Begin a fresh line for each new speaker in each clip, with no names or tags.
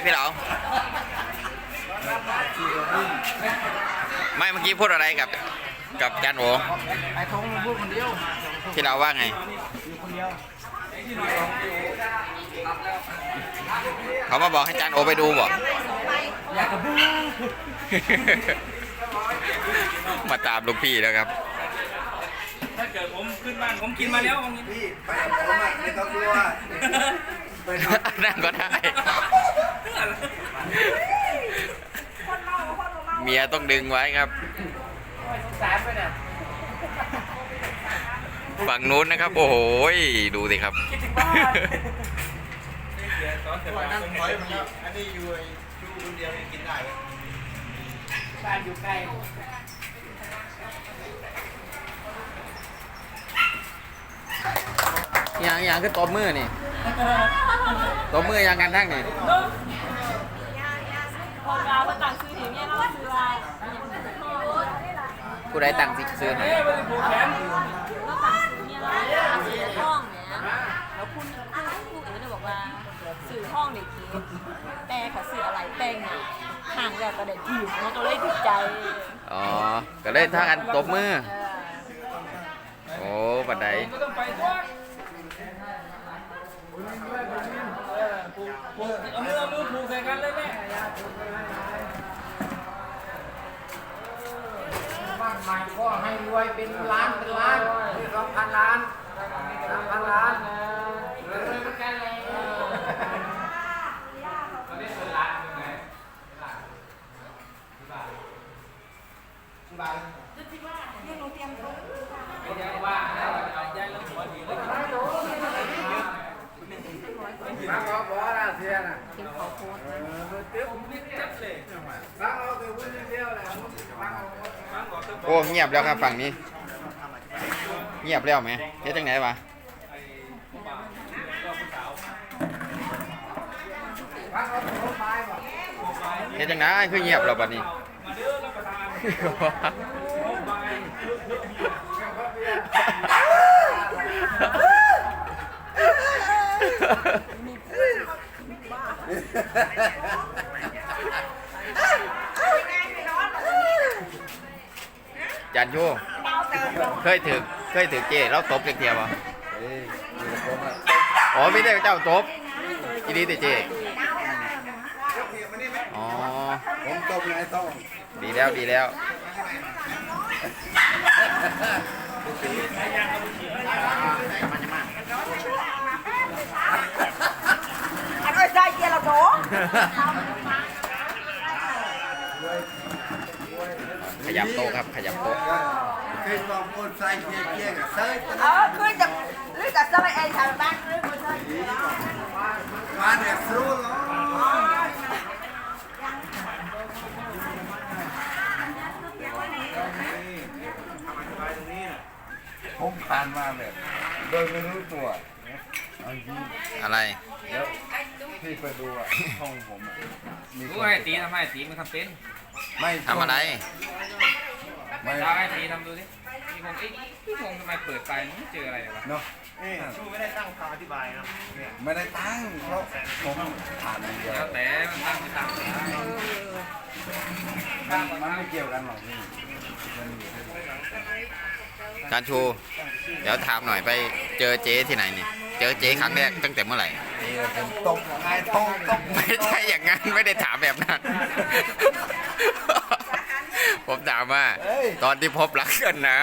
พี่เหลาไม่เมื่อกี้พูดอะไรกับจันโอ
ไอ้ทงพูดคนเดียว
พี่เหลาว่าไงเขามาบอกให้จันโอไปดูบอก
อยากกระบู
มาตามลูกพี่แล้วครับ
ถ้าเกิดผมขึ้นบ้านผมกินมาแล้ววันนี้
พี่ไปกับผมอ่ะไม่ต้องกลัว
นั่งก็ได้เมียต้องดึงไว้ครับฝั่งนู้นนะครับโอ้โหดูสิครับ
นั่งถอยมันแล้วอันนี้อยู่คนเดียวกินได้ไหม
บ้านอยู่ใกล้
อย่างคือตบมือนี่ตบมืออย่างกันทั้งนี่
คนเราคนต่างซื้อหินเนี่ยเราซื้ออะไร
ผู้ใดตั้งสิซื้อให้
เราต่างซื้อเนี่ยเราซื้อห้องเนี่ยแล้วคุณเอ๋เนี่ยบอกว่าซื้อห้องเด็กทีแต่เขาซื้ออะไรแต่งเนี่ยห่างแบบกระเด็นผิวเขาก็เลยติดใจ
อ๋อก็เลยท่ากันตบมือโอ้ปัดใด
เอามือผูกใส่กันเลยแม่บ้านใหม่ก็ให้รวยเป็นล้าน2,000 ล้าน3,000 ล้านกันเลยมาบอกนะเสียนะ
เก็บขอโพส
โอ้เงียบแล้วครับฝั่งนี้เงียบแล้วไหมเฮ็ดจังไหนวะเฮ็ดจังไหนคือเงียบแล้วบัดนี้จันชูเคยถือเจแล้วตบเทียบป่ะอ๋อไม่ได้เจ้าตบทีนี้แต่เจอ๋อ
ผมตบไงต้อง
ดีแล้ว
อันนี้ใจเกียร์เราโถ
ขยับโต๊ะครับขยับโต๊ะ
เคยต้องคนใส่เกียร์กับเซิร์ฟ
คือจะหรือจะสบายเองทางบ้านหรือคนใช่
มาเนี่ยสู้เหรอผมผ่านมาแบบโดยไม่รู้ตัว
อะไร
แล้วพี่ไปดูอ่ะห้องผมมี
รู้ให้ตีทำให้ตีมันทำเป็น
ไม่
ทำอะไร
ไม่ได้ให้ตีทำดูสิพี่งงทำไมเปิดไปไม่เจออะไรวะ
เนาะ
ชูไม่ได้ตั้งคำอธิบายนะ
ไม่ได้ตั้งเพราะผมผ่านเดียว
แล้วแต่มันตั้งไม่ตั้ง
มันไม่เกี่ยวกันหรอกพี่
การชูเดี๋ยวถามหน่อยไปเจอเจ๊ที่ไหนนี่เจอเจ๊ครั้งแรกตั้งแต่เมื่อไหร่
ผมตกไงต้อง
ไม่ใช่อย่างนั้นไม่ได้ถามแบบนั้นผมถามว่าตอนที่พบรักกันนะ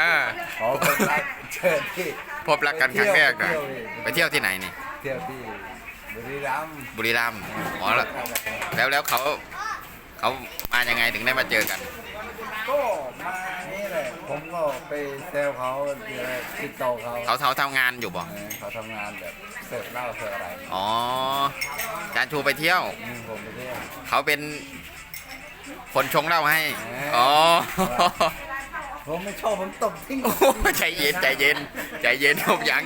พบรักกันครั้งแรกนะไปเที่ยวที่ไหนนี่
เที่ยวที่บุรี
รัมย์อ๋อแล้วเขามายังไงถึงได้มาเจอกัน
ก็มานี่แหละผมก็ไปเซลเขาติดต่อ
เขาทำงานอยู่บ่
เขาทำงานแบบเสิร์ฟเหล้าเสิร์ฟอะไร
อ๋อการชูไปเที่ยว
ผมไปเที่ยว
เขาเป็นคนชงเหล้าให้อ๋อ
ผมไม่ชอบผมตบทิ้ง
ใจเย็นผมยัง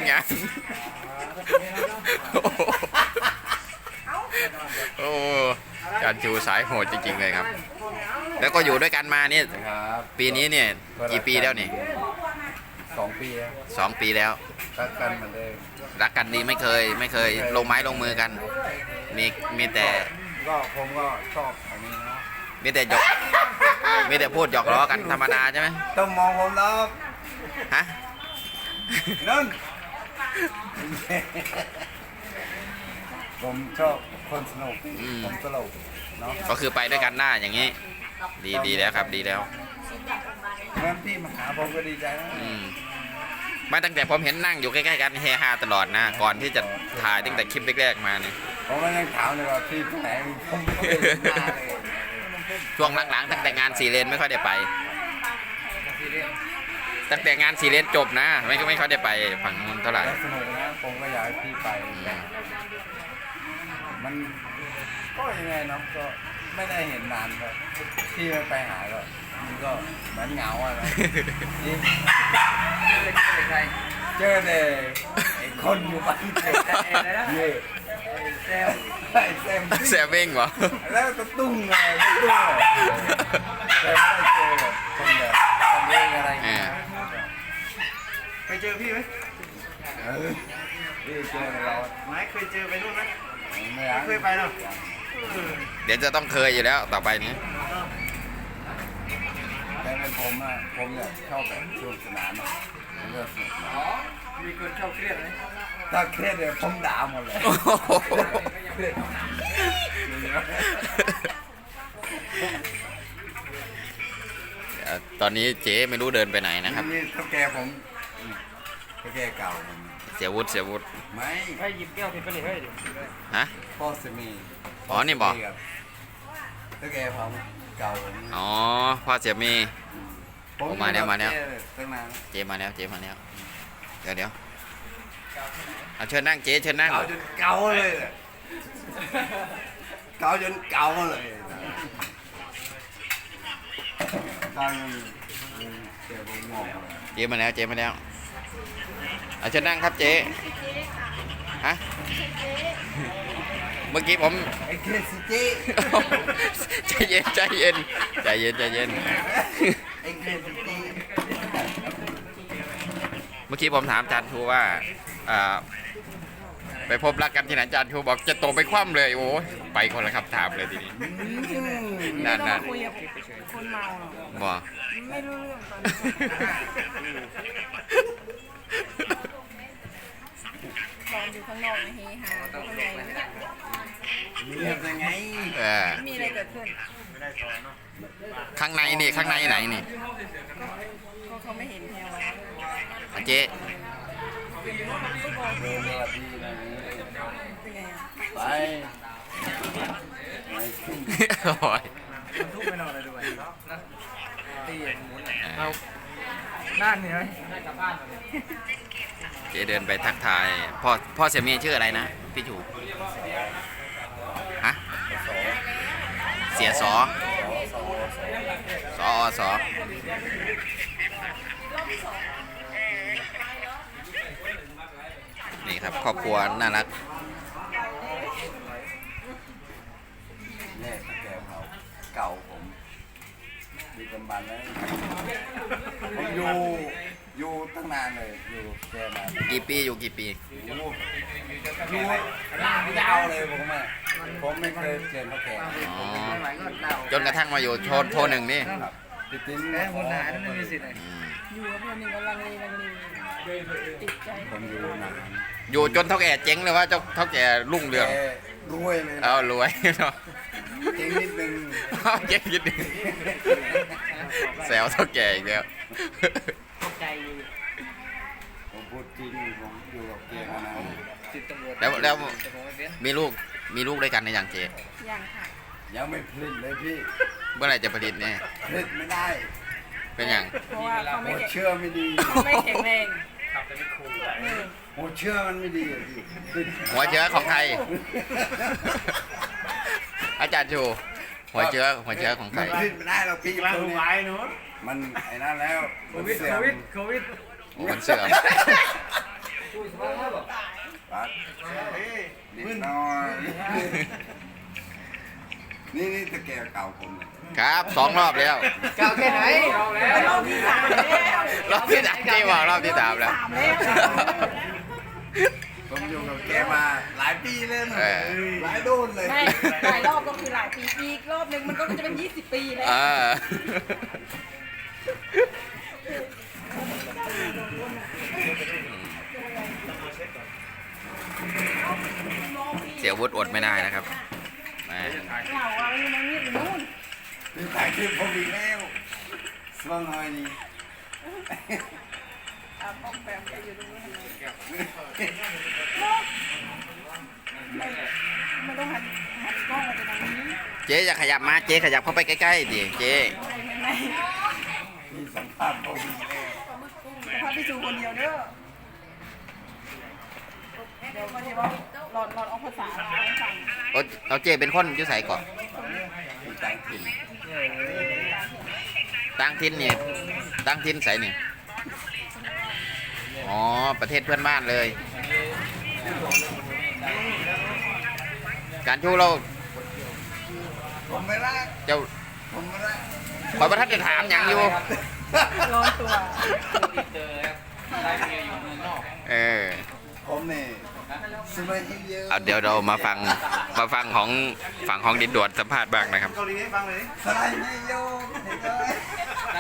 โอ้การชูสายโหดจริงๆเลยครับแล้วก็อยู่ด้วยกันมาเนี่ยปีนี้เนี่ยกี่ปีแล้วนี่
2 ปีแล้ว
2 ปีแล้ว
รักกันเหมือนเดิม
รักกันดีไม่เคยลงไม้ลงมือกันมีแต่
ก็ผมก็ชอบอันนี้นะ
มีแต่หยอกมีแต่พูดหยอกล้อกันธรรมดาใช่ไหม
ต้องมองผมแล้ว
ฮะ
นั่น ผมชอบคนสนุกผมตลกเนาะ
ก็คือไปด้วยกันได้อย่างนี้ ดีแล้วครับดีแล้ว
เมื่อพี่มาหาผมก็ดีใจนะ
ไม่ตั้งแต่ผมเห็นนั่งอยู่ใกล้ๆกันเฮฮาตลอดนะ ก่อนที่จะถ่ายตั้งแต่คลิปแรกๆมาเนี่ย
ผมก็ยังถามเลยว่าพี่ไปไหนผมไม่เคยเห็นหน้าเลย
ช่วงหลังๆตั้งแต่งาน4 เลนไม่ค่อยได้ไป ตั้งแต่งาน4 เลนจบนะไม่ค่อยได้ไปฝั่งนู้นเท่าไหร่
แล้วสนุกนะผมก็อยากให้พี่ไปมันก็ยังไงเนาะก็ไม่ได้เห็นนานก็พี่ไม่ไปหาก็มันก็เหมือนเหงาอะนะจริงเจอแต่ไอ้คนอยู่บ้านเด็กนี่ไอ้แซม
แซมเบ้งเหรอ
แล้วก็ตุ้งไงตุ้งเลยแต่ไม่ได้เจอแบบคนแบบคนเองอะไรอย่างเงี้ย
เคยเจอพี่ไหม
เออพี่เจอเรา
ไม่เคยเจอไปนู่นไหม
ไม่อยาก
เคยไปเนาะ
เดี๋ยวจะต้องเคยอยู่แล้วต่อไปนี้
แต่เป็นผมอะผมเนี่ยชอบแบบสนุกสนานอะผมก็สนุกสนาน
มีคนชอบเครียดไหม
ถ้าเครียดเนี่ยผมด่าหมดเลยเครียด
ตอนนี้เจ๊ไม่รู้เดินไปไหนนะครับ
นี่เท่าแกผมเท่าแกเก่าผม
เสียวุฒิ
ไม่
ให้หยิบแก้วผิดไปเลยเฮ้ย
ฮะ
พ่อสมี
อ๋อนี่บอก
เท่าแกผมเก่าผม
อ๋อพ่อเสียมี ผมมาแล้ว
ตั้งนาน
เจ๊มาแล้วเดี๋ยวเอาเชิญนั่งเจ๊เชิญนั่ง
เก่าจนเก่าเลยอะเก่าจนเก่าเลยตอนเดี๋ยวผมงงเลย
เจ๊มาแล้วเอาเชิญนั่งครับเจ๊ฮะเมื่อกี้ผม
ไอ้เคสิเจ
ใจเย็น
ไอ้เคสิเจ
เมื่อกี้ผมถามอาจารย์ทูว่าไปพบรักกันที่ไหนอาจารย์ทูบอกจะตกไปคว่ำเลยโอ้ยไปคนละคำถามเลยทีนี้นั่น
คุยกับคนเมาหรอ
บอก
ไม่รู้เรื่องตอนอยู่ข้างนอกนะเฮฮาข้างใน
เรียบยังไง
มีอะไรเกิดขึ้น
ข้างในไหนนี่
ก็เขาไม่เห็นแถว
เจ๊
เดินสวัสดีนะ
เป็นไงอ่ะ
ไปไปขึ้น
โอ้ย
ทุกไปนอนเลยด้วยตีหมุนเอาด้านนี้ไหม
เจ๊เดินไปทักทายพ่อเสียมีชื่ออะไรนะพี่จูฮะเสียสอนี่ครับครอบครัวน่ารัก
เนี่ยแกเขาเก่าผมมีกำบันแล้วผมอยู่ตั้งนานเลยอยู่แกมา
กี่ปีอยู่กี่ปี
อยู่ยาวเลยผมไม่เคยเจอเขาแก่
อ๋อจนกระทั่งมาอยู่โทรหนึ่งนี่
ครับติดติ้น
แล้วคนหาไม่มีสิทธิ์เลย
อยู่กับคนหนึ่งก็ลังเลติดใจ
ผมอยู่นาน
อยู่จนเท่าแก่เจ๊งเลยว่าเท่าแก่รุ่งเรือง
แกรวยเลย
เอารวยเนาะ
จริงนิดนึง
เอาเจ๊งนิดนึงแซวเท่าแก่อีกแล้ว
ใจอยู่
ผมพูดจริงผมอยู่กับแกมานาน
ติดตำรวจ
แล้ว
แต่ผมไม่เป็น
มีลูกด้วยกันในอย่างเจ๊
ยังค่ะ
ยังไม่ผลิตเลยพี่
เมื่อไหร่จะผลิตเนี่ย
ผลิตไม่ได้
เป็นอย่าง
เพราะว่าเขา
หั
ไม่
ว
แข็ง
เชื่อไม่ดี
ไม่แข็งแรง
หัวเชื่อมันไม่ดีอะพี่ติด
หัวเชื้อของใคร อาจารย์ชูหัวเชื้อของใคร
มันผลิตไม่ได้หรอกพี่
ร้าน
พวก
หู
นี้
ไว้หนู
มันไอ้นั่นแล้ว
โค
มัน
วิด
เสื่อม
มันเสื่อม
ปัดนิดหน่อยนี่ตะแกรงเก่าผมเนี่ย
ครับ2 รอบแล้ว
เก่าแค่ไหน
เป็นรอบที่ 3แล้ว
รอบที่สามเจ๊บอกรอบที่ 3แล้ว
แล้ว
ผมอยู่กับแกมาหลายปีเลยนะ
เออ
หลายโดนเลย
ไม่หลายรอบก็คือหลายปีอีกรอบหนึ่งมันก็จะเป็น20 ปีแล้ว
เออเสียวุฒิอดไม่ได้นะครับแหม
เราเอามันนี่นู่น
นี่ถ่ายคลิปผมอีกแล้วสว่างหน่อยนี่
เอาออกแบบไปอยู่ตรงนู้นมันต้องหันกล้องมาจากตรงนี้
เจ๊อย่าขยับมาเจ๊ขยับเข้าไปใกล้ๆดิเจ๊
ไม่
มีสัมภาษณ์ผมอีกแล้ว
แต่พาพี่จูคนเดียวเด้อเดี๋ยวมันจะว่าหลอนเอาภาษาเราให้ฟัง
เอาเจ๊เป็นคนอยุ่ใส่ก่อน
มีต่างถิ่น
ตั้งทินนี่ตั้งทินใส่นี่อ๋อประเทศเพื่อนบ้านเลย การชูเรา
ผมไม่รัก
เจ้า
ผมไม่รัก
คอยประทัดจะถามอย่างอยู่
ร้อนตัว
เออ
ผมเนี่ยสมัยที่เยอะ
เอาเดี๋ยวเรามาฟังของฝั่งของดินดวนสัมภาษณ์บ้างนะครับ
สมัยที่เยอะเห็นไหม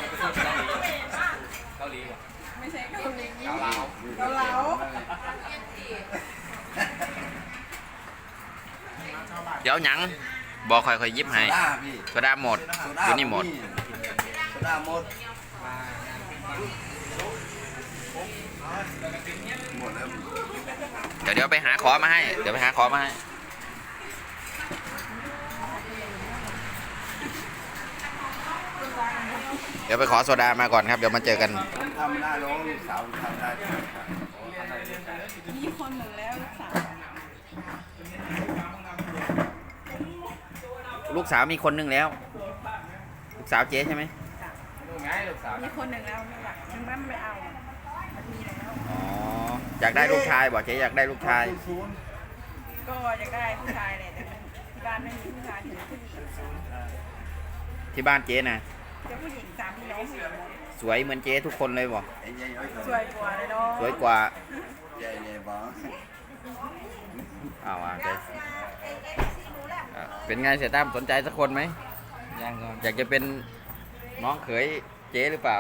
ไม่ใช่เกาหลีเกาเหลา
เดี๋ยวหยังบอกค่อยๆยิบให้
โซดาพี่
โซดาหมด
โซ
อยู่นี่หมด
โซดาหมดหมดแล้ว
เดี๋ยวไปหาขอมาให้ เดี๋ยวไปหาขอมาให้ เดี๋ยวไปขอโซดามาก่อนครับ เดี๋ยวมาเจอกัน
ทำหน้าร้องลูกสาวทำได้
มีคนหนึ่งแล้วลูกสาว
ลูกสาวมีคนหนึงแล้ว ลูกสาวเจ๊ใช่ไหม
มีคนหนึ่งแล้วไม่อยากยังไม่เอามันมีแล้ว
อ๋อ อยากได้ลูกชายบอกเจ๊อยากได้ลูกชาย
ก็อยากได้ผู้ชายแหละแต่ที่บ้านไม่มีผู้ชายถึงผู้หญิง
ที่บ้านเจ๊นะ
จะผู้หญิง3 พี่น้อง4คน
สวยเหมือนเจ๊ทุกคนเลยบอก
ไอ้ยัยอ้อย
สวยกว่าเลยเนาะ
สวยกว่า
ยัยบ้า
เอาเจ๊เป็นไงเสียตั้มสนใจสักคนไหม
ยังก่อน
อยากจะเป็นน้องเขยเจ๊หรือเปล่า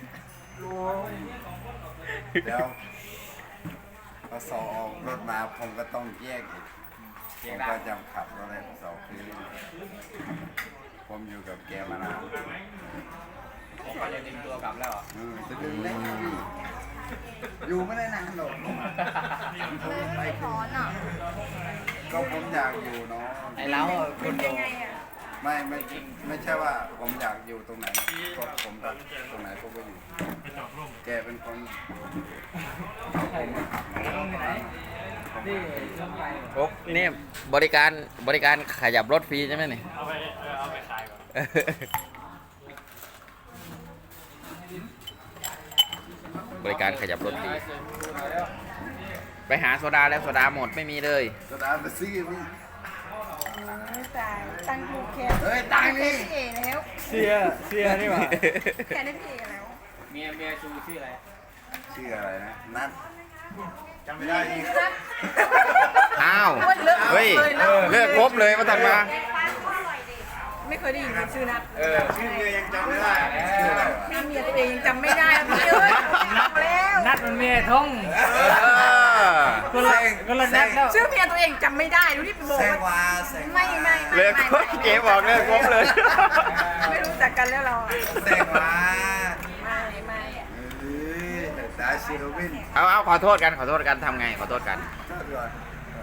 เดี๋ยวพอสอบออกรถมาผมก็ต้องแยกอีกผมก็จำขับรถได้พอสอบคือผมอยู่กับแกมานาน
ผมก็จะดึงตัวกลับแล้วเหรอ
จะดึงได้ไงพี่อยู่ไม่ได้นานหรอกผมไปถอนอ่ะก็ผมอยากอยู่เนาะ
ไอ้เล้าคนโด
ยังไงอ่ะ
ไม่ใช่ว่าผมอยากอยู่ตรงไหนก็ผมรักตรงไหนผมก็อยู่ แกเป็นคนเอาผมมาขับเนาะ
นี่ลงไป
โอ้นี่บริการขยับรถฟรีใช่ไหมนี่เอาไปขายก่อนบริการขยับรถฟรีไปหาโซดาแล้วโซดาหมดไม่มีเลย
ก็ได้ไปซื้อพี่
ไม่ตายตั้งลูกแค่
เฮ้ยตังค์นี่
พี่เอแล้ว
เสียนี่หว่า
แค่ได้พี่เอแล้ว
เมียชูชื่ออะไร
ชื่ออะไรนะนัทจำไม่ได้อีก
อ้าวเฮ้ยเลิกครบเลยมาทำมา
ไม่เคยได้ยินชื่อนัด
ชื่อเมียยังจำไม่ได้ชื่ออะไรวะ
พี่เมียตัวเองยังจำไม่ได้แล้วพี่เอ้ยเอาแล้ว
นัดมันเมียท่องคนละนัดแล้ว
ชื่อเมียตัวเองจำไม่ได้ดูที่บอก
แซง
ว่า
วาแซงวา
ไม่
เลิกครบเจ๊บอกเลิกครบเลย
ไม่รู้จักกันแล้วเราอะ
แซงวา
ไม่
เฮ้ยดาชิโรวิน
เอาขอโทษกันทำไงขอโทษกัน
ชอบด้วย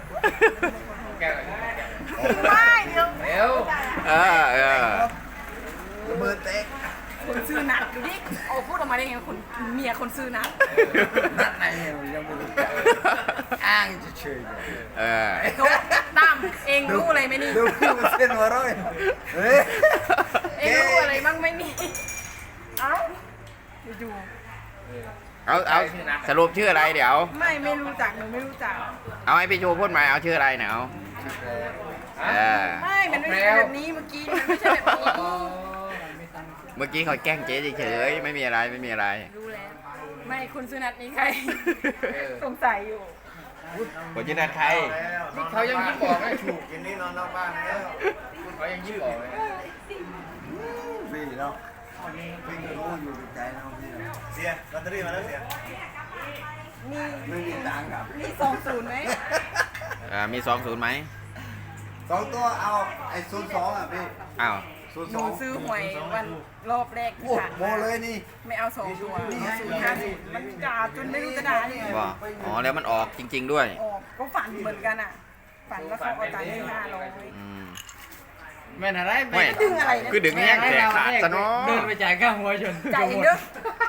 ไม่เดี๋ยว
เร็ว
เออ
ระเบิดเตะ
คนซื้อนัดดูดิโอ้พูดออกมาได้ไงคนเมียคนซื้อนัด
นัดไหนยังไม่รู้จักอ้างเฉย
เออ
โดตั้มเองรู้อะไรไหมนี่
ๆดูเส้นหัวเร้อยเฮ้ย
เองรู้อะไรบ้างไหมนี่เอ้าอยู่
เอาสรุปชื่ออะไรเดี๋ยว
ๆไม่รู้จักหนูไม่รู้จัก
เอาให้พี่ชูพูดใหม่เอาชื่ออะไรเนี่ยเอาเออ
ไม่มันไม่ใช่แบบนี้เมื่อกี้มันไม่ใช่แบบนี้
เมื่อกี้เขาแกล้งเจ๊เฉยๆไม่มีอะไร
รู้แล้วไม่คุณซื้อนัดนี้ใครสงสัยอยู่
คนชื่อนันใคร
นี่เขายังยิ้มบอกไม่ถูก
กินนี้นอนนอกบ้านแล้ว
เขายังยิ้มบอกเลย
พี่เนาะพี่ก็รู้อยู่ในใจเราพี่เนาะ
เสียลอตเตอรี่มาแล้วเสีย
มี
ไม่มีตังค์ครับ
มี20ไหม
มี20ไหม
2 ตัวเอาไอ้02อ่ะพี่
อ้าว
หนู
02
ซื้อหวยวันรอบแรกที่
โอ้
ผ่าน
โม
มา
เลยนี่
ไม่เอา2 ตัว050มันด่าจนไม่รู้จะด่ายังไง
ว่าอ๋อแล้วมันออกจริง ๆด้วย
ออกก็ฝันเหมือนกันอ่ะ ฝันว่าเขาเอาตังค์ให้500
อืม
แม่นอะไร
ไม่
ดึงอะไรนะ
คือดึงแห้งแขกขาดซะเนาะ
เดินไปจ่ายค่าหัวจน
จ่ายเองเด้อ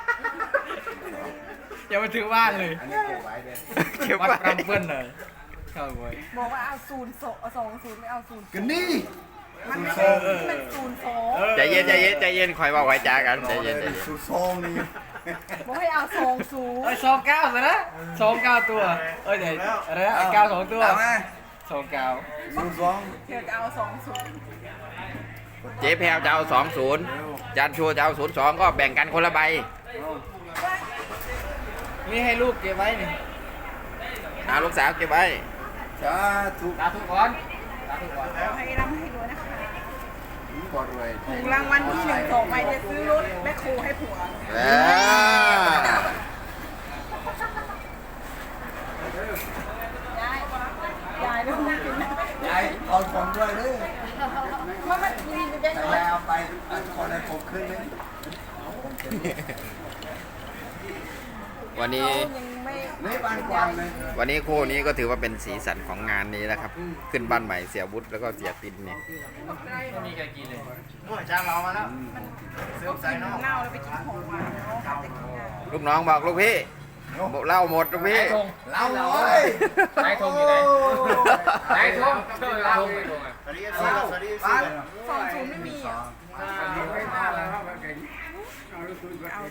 อย่ามาถือบ้านเลย
อันนี้เก็บไว้เลย
เก็บ
วัด
ไว้
กำเปิ้ลเลยเข้าหวย
บอกว่าเอา20ไม่เอา0
กันนี่
มันไม่ใช่มัน02
ใจเย็นใจเย็นใจเย็นคอยว่าไว้จากันใจเย็นใจเย็น
02นี่
บอกให้เอา
เอ้ย
20
29สินะ29ตัวเอ้ยเดี๋ยวอะไรนะ9 2ตัว
เอาไหม
29
02
เธอจะเอา20
เจ๊แพรวจะเอา20จานชัวจะเอา02ก็แบ่งกันคนละใบ
นี่ให้ลูกเก็บไว้นี่
ลูกสาวเก็บไว้
จ้าถูก
ตาทุกคนตาทุกคน
ขอให้ร่ำให้รวยนะคะ
กดเลย
ถูกรางวัลที่1 2ใบจะซื้อรถแม่ครูให้ผัว ยายลูกกินนะ
ยายเอาของด้วยเลย
มันมีไปได้
แต่
น้อย
ยายเอาไปอันคนให้ผมขึ้นเลย
วันนี้
ยังไม่
นี่บ้านกวางเลย
วันนี้คู่นี้ก็ถือว่าเป็นสีสันของงานนี้นะครับ ขึ้นบ้านใหม่เสียวุฒิแล้วก็เสียตินเนี่ย
ไม่มีใครกินเลย
โอ้ยจ้างเรามาแล้ว
เน่าแล้วไปกินของหวานเขาหาจะกินอ่ะ
ลูกน้องบอกลูกพี่บอกเล่าหมดลูกพี่
เราเลย
นายทงอยู่ไหนนายทงเชื่อเราไม่ทงอ่ะ
สวัสดีครับสวัสดีครับ
20ไม่มีอ่ะเอา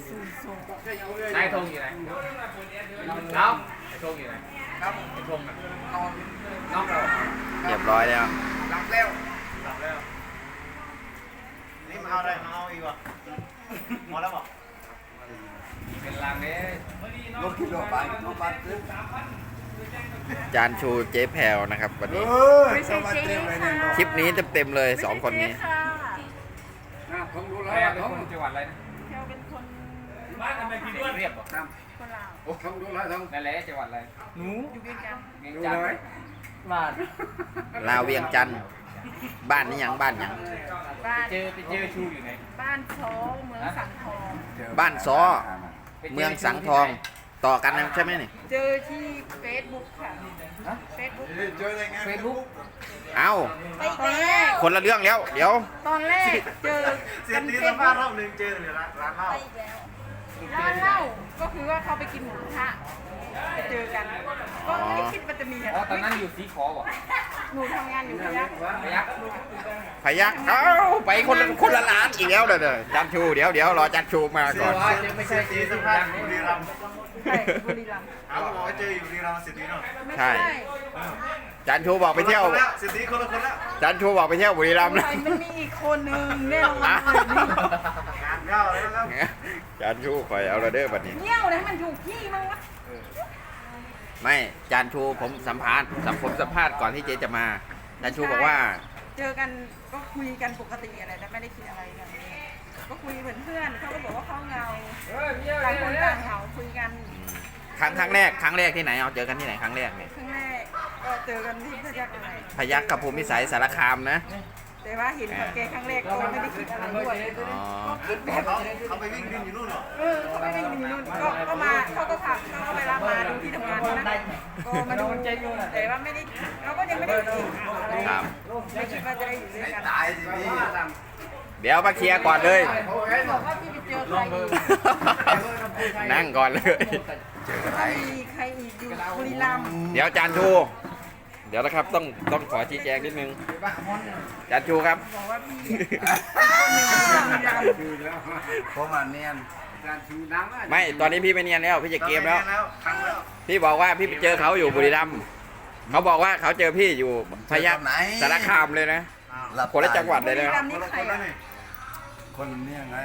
00
นายทงอยู่ไหนน้องนายทงอยู่ไหนครับนายทงอ่ะน้องเรา
เรียบร้อยแล้ว
หลับแล้วหลับแล้ว นี่มาเอาอะไรมาเอาอีกวะหมดแล้วบอก
เป็นลางนี้
รถกิโลไปรถบัสขึ้น
จานชูเจ๊แพรวนะครับวันนี้
ไม่ใช่เจ๊ค่ะ
คลิปนี้เต็มๆเลย2คนนี้
ค่ะ
ผมดูแล
แม่เป็น
เขา
คนจังหวัดอะไรนะ
เธอเป็นคน
บ้านทำไมพี่เรียบอ่ะ
คนลาว
โอ้ผมดูแลทั้ง
นั่นแหละจังหวัดอะไรหนู
อยู่ด้วยกัน
เมียงจันทร์บ้าน
ลาวเวียงจันทร์บ้านนี้ยังบ้านยัง
บ้าน
ไปเจอชูอยู่ไหน
บ้านโซเมืองสังทอง
บ้านซ้อเมืองสังทองต่อกันนะใช่ไหมนี่
เจอที่เฟซบุ๊กค่ะเฟซบุ๊ก
เจอได้ไง
เฟซบุ๊ก
เอ้า
ตอนแรก
คนละเรื่องแล้วเดี๋ยว
ตอนแรกเจอ
เสีย
กัน
ตี
เฟ
สั
ซ
มภา
บุ๊
ษณ์รอบหนึ่งเจอเลยร้านเหล้า
ร้านเหล้าก็คือว่าเขาไปกินหมูกระทะไปเจอกัน ก็ไม่คิดว่าจะมี
อ๋อตอนนั้นอยู่สีขอบ่
หนูทำงานอยู่พยัคฆ์
พยัก
พยักเอ้าไปคนละร้านอีกแล้วเด้อจานชูเดี๋ยวรอจานชูมาก่อน
ไม่ใช่
ตี
สี
สั
สั
ม
ม
ภา
ภา
ษ
ษ
ณ์
ณ์
บุรีรัมย์
ใช่บุรีรัมย์
เขาบอกว่าเจออยู่บุรีรัมย์สิทธิเนาะ
ไม่
ใช่
ใช่
จานชูบอกไปเที่ยว
คนละคนแล้วสิทธิคนละคนแล้ว
จานชูบอกไปเที่ยวบุรีรัมย์
ใค
นะ
รมันมีอีกคนนึงแน่นอนเลยนี่
งานเข้าแล้วครับ
จานชูคอยเอาละเด้อบัดนี้
เงี้ยวนะให้มันถูกที่มั้งวะ
ไม่จานชูผมสัมภาษณ์ก่อนที่เจ๊จะมาจานชูบอกว่า
เจอกันก็คุยกันปกติอะไรแต่ไม่ได้คิดอะไรกันก็คุยเหมือนเพื่อนเขาก็บอกว่าเขาเหงาต่างคนต่างเหงาคุยกัน
ครั้งแรกที่ไหนเอาเจอกันที่ไหนครั้งแรกเนี่ย
ครั้งแรกก็เจอกันที่พยัคฆ์อะไร
พยัคฆ์กับภูมิสัยสารคามนะ
แต่ว่าเห็นกับแกครั้งแรกก็ไม่ได้คิดอะไรด้วย
อ๋อ
คิดแบบ
เขาไปวิ่งดินอยู่นู่นเหรอ
เขาไม่ได้มีนู่นก็มาเขาก็ขับเขาก็ไปรับมาดูที่ทำงานนะก็มาดูแต่ว่าไม่ได้เราก็ยังไม่ได้คิดอะไร
ครับ
ไม่คิดว่าจะได้อยู่ด้วยกัน
ตายสิพี่
เดี๋ยวมาเคลียร์ก่อนเลย
บอกว่าพี่ไปเจอใครอีก
นั่งก่อนเลย
ถ้ามีใครอีกอยู่บุรีรัมย์
เดี๋ยวจานชู เดี๋ยวนะครับต้องขอชี้แจงนิดนึงจานชูครับ
บอกว่าพี่คนหนึ่งบุรีรัมย์
ผมอ่ะเนียน
ไม่ตอนนี้พี่ไม่เนียนแล้วพี่จะเกมแล้ว
ครั้งแล้ว
พี่บอกว่าพี่ไปเจอเขาอยู่บุรีรัมย์เขาบอกว่าเขาเจอพี่อยู่พยัคฆ์สารคามเลยนะ คนละจังหวัดเลย
บุรี
นะ
รัมย์นี่ใครอ่ะ
คนเนี่ยไง
ค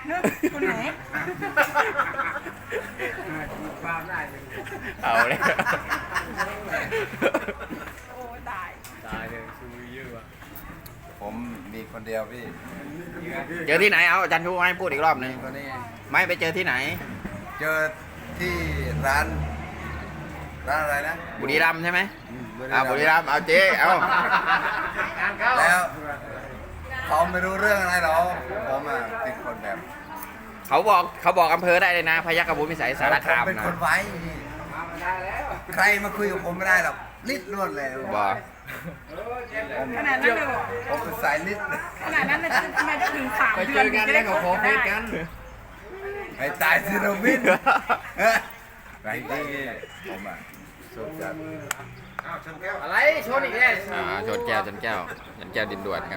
เนอะคนไหน
ความได้เลย
เอาเลย
โอ้ตาย
ตายเลยซูเยอะว่ะ
ผมมีคนเดียวพี่
เจอที่ไหนเอาอาจารย์ชูให้พูดอีกรอบหนึง
คนนี้
ไม่ไปเจอที่ไหน
เจอที่ร้านอะไรนะ
บุรีรัมย์ใช่ไหม
บุรี
บุรีรัมย์เอาเจ๊เอา
งานเข้า
แล้วเขาไม่รู้เรื่องอะไรหรอกผมอ่ะเป็นคนแบบ
เขาบอกอำเภอได้เลยนะพยัคฆภูมิสัยสารคาม
ผมเป็น
นะ
คนไว้
ได้แล้ว
ใครมาคุยกับผมไม่ได้หรอกลิดล้วนเลย
บอก
ขนาดนั้นเลยเหรอ
ผมเป็นสายลิด
ขนาดนั้นเลยทำไมต้องถึง3
ไป
เดื
เจ
อน
อกัน
จะ
แล้
ได้
ว
ค
ก็
บ
ขอเฟ
ได้
ซกัน
ไอ้ตายซิโรวินไรที่ผมอ่ะสุดจัด
อะไรชนอีกแล้ว
ชนแก้วชนแก้วดินด่วนครับ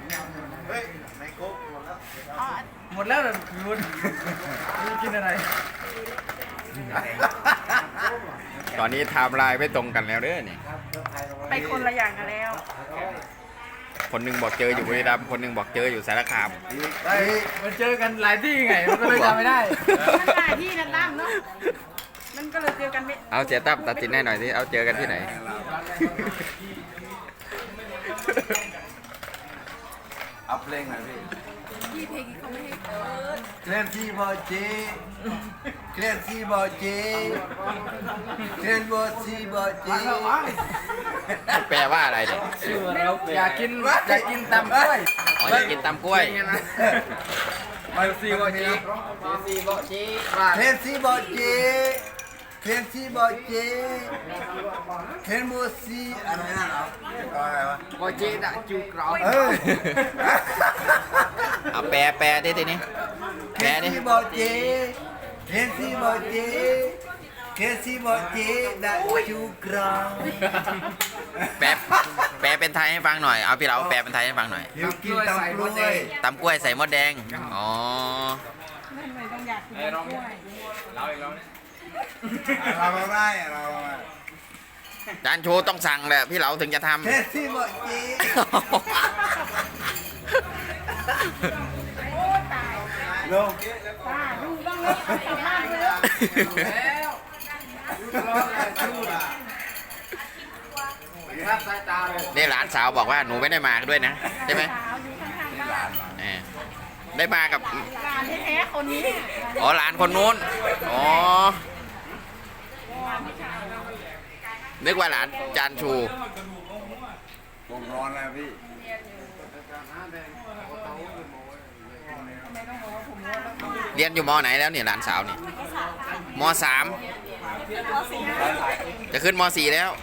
หมดแล้วเหรอคุณไม่กินอะไร
ตอนนี้ไทม์ไลน์ไม่ตรงกันแล้วเด้อนี่
ไปคนละอย่างกันแล้ว
คนหนึงบอกเจออยู่บุรีรัมย์คนหนึงบอกเจออยู่สารคาม
มันเจอกันหลายที่ไงมันก็เลยจำไม่ได้
มันหลายที่นะตั้มเนาะมันก็เลยเจอกันไม่
เอาเสียตั้มตัดสินให้หน่อยสิเอาเจอกันที่ไหน
เอาเพลงหน่อยพี่
ที่เพลงเขาไม่ให้เปิด
เคลื่อนที่บอจีเคลื่อนที่บอจีเคลื่อนบอจีบอจี
แปลว่าอะไรเนี่ย
อยากกินตำกล้วย
อ๋ออยากกินตำกล้วย
มาซีบอจีซีบอจี
เคลื่อนที่บอจีเคลื่อนที่บอจีเคลื่อนบอจีอะไรนั่นเหรออะไรวะ
บอจีน่ะจูกรอบ
เอ้ย
เอาแปลดิทีนี้
เค
แปล
ลื่อน
ดิ
ที่บอจีเคลื่อนที่บอจีเคลื่อนที่บอจีดัจูกรอง
แปลเป็นไทยให้ฟังหน่อยเอาพี่เราแปลเป็นไทยให้ฟังหน่อย
หิวกินตำกล้วย
ตำกล้วยใส่มดแดงอ๋อ
ทำไมต้องอยากกินกล้วย
เราอีกแล้วเนี่ย
เราไม่ได้เราไม่
จานโชว์ต้องสั่งแหละพี่เราถึงจะทำ
เคลื่อนที่บอจี
โอ้ตาย
ลง
ป้าดูบ้างเลยกลับบ้านเลย
แล้วครับสายตาเลย
นี่หลานสาวบอกว่าหนูไม่ได้มาด้วยนะใช่ไหม
สาวอยู่ข้างๆบ้าน
ได้มากับ
หลานแท้ๆคนนี้
อ๋อหลานคนนู้นอ๋อนึกว่าหลานจานชู
ผมร้อนแล้วพี่
เรียนอยู่มไหนแล้วเนี่ยหลานสาวนี่มสามจะขึ้นมสี่แล้ว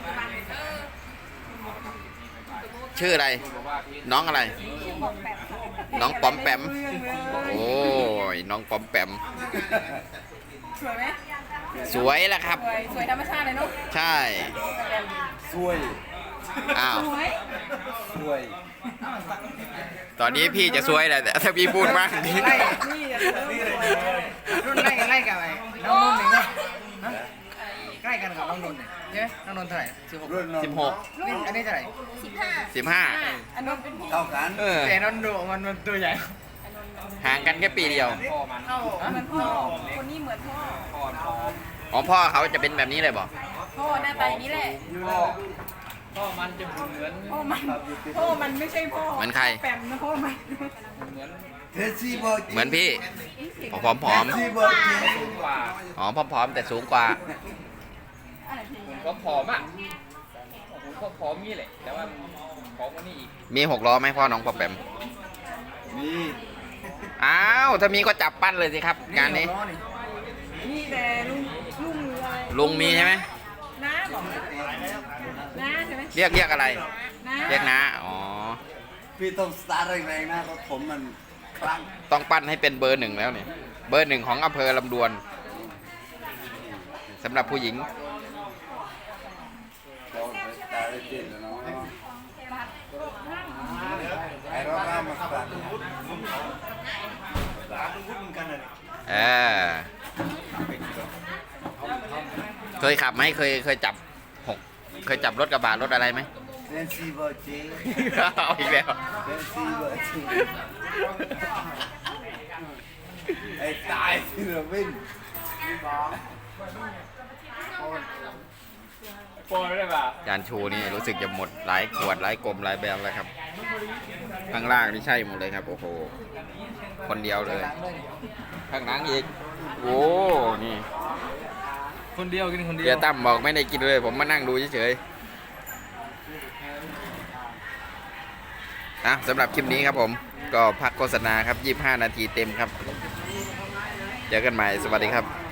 ชื่ออะไร น้องอะไร น้องปอมแปมโอ้ยน้องปอมแปม
สวยไหม
สวยแล้วครับ
สวยธรรมชาติเลยเนาะ
ใช่
ช่วย
อ้าว
สวย
ช่วย
ตอนนี้พี่จะสวยแหละแต่ถ้าพี่พูดมากนี่
ไล่
นี่อย่าเริ่มสวย
รุ่นไล่กันอะไรน้องนนท์หนึ่งนะใกล้กันกับน้องนนท์เนี่ยใช่ไหมน้องนนท์เท่าไหร่16
รุ่นน้อง
16
นี่อันนี้เท่าไหร่
15
อันนั้นเป็นพี่
เท่ากัน
เออ
แต่น้องดูมันตัวใหญ่
ห่างกันแค่ปีเดียว
เท่าเหมือนพ่อคนนี้เหมือนพ่อ
อ๋อพ่อเขาจะเป็นแบบนี้เลยบอก
พ่อหน้าตาอย่างนี้แหละ
พ่อมันจะเหมือน
พ่อมันไม่ใช่พ่อ
เหมือนใคร
แปมนะพ่อมัน
เคลื่อนที่บอจี
เหมือนพี่ผอม
เคลื่อนที่บอจี
กว่า
ๆอ๋อผอมๆแต่สูงกว่า
อะไรพี่
ผมก็ผอมอ่ะผมก็ผอมนี่แหละแต่ว่าผอมกว่านี้อีก
มี6 ล้อไหมพ่อน้องปอมแปม
มี
อ้าวถ้ามีก็จับปั้นเลยสิครับงานนี้
มีแต่ลุงอะไร
ลุงมีใช่ไหม
น้าบอกน้าใช่ไหม
เรียกอะไร
น้า
เรียกนะอ๋อ
พี่ต้องสตาร์ทแรงๆนะรถผมมันคลั่ง
ต้องปั้นให้เป็นเบอร์ 1แล้วเนี่ยเบอร์ 1ของอำเภอลำดวนสำหรับผู้หญิง
เราไปสตาร์ทได้จริงแล้วเนาะไอ้รถน้ำมันสั่น
เออเคยขับไหมเคยจับเคยจับรถกระบะรถอะไรไหม
เคลื่อนที่บอจี
เอาอีกแล้ว
เคลื่อนที่บอจีไอ้ตายศิลปิน
จานชูนี่รู้สึกจะหมดหลายขวดหลายกลมหลายแบบแล้วครับข้างล่างนี่ใช่หมดเลยครับโอ้โหคนเดียวเลยข้างหลังอีกโอ้นี่
คนเดียวกินคนเดียว
เบียร์ตั้มบอกไม่ได้กินเลยผมมานั่งดูเฉยๆสำหรับคลิปนี้ครับผมก็พักโฆษณาครับ25 นาทีเต็มครับเจอกันใหม่สวัสดีครับ